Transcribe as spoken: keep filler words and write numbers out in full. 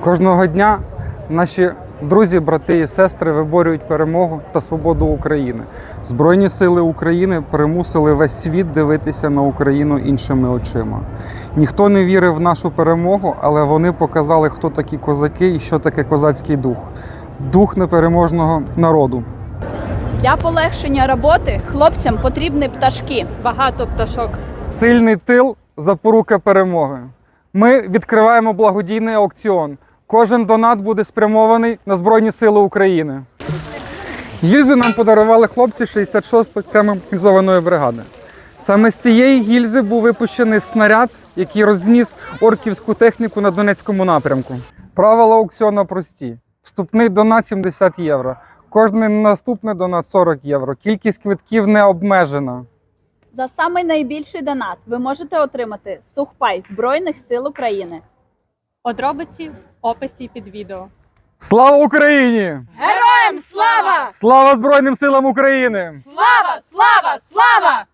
Кожного дня наші друзі, брати і сестри виборюють перемогу та свободу України. Збройні сили України примусили весь світ дивитися на Україну іншими очима. Ніхто не вірив в нашу перемогу, але вони показали, хто такі козаки і що таке козацький дух. Дух непереможного народу. Для полегшення роботи хлопцям потрібні пташки. Багато пташок. Сильний тил – запорука перемоги. Ми відкриваємо благодійний аукціон. Кожен донат буде спрямований на Збройні Сили України. Гільзу нам подарували хлопці шістдесят шостої окремої механізованої бригади. Саме з цієї гільзи був випущений снаряд, який розніс орківську техніку на Донецькому напрямку. Правила аукціону прості. Вступний донат сімдесят євро. Кожний наступний донат сорок євро. Кількість квитків не обмежена. За самий найбільший донат ви можете отримати сухпай Збройних сил України. Подробиці в описі під відео. Слава Україні! Героям слава! Слава Збройним силам України! Слава! Слава! Слава!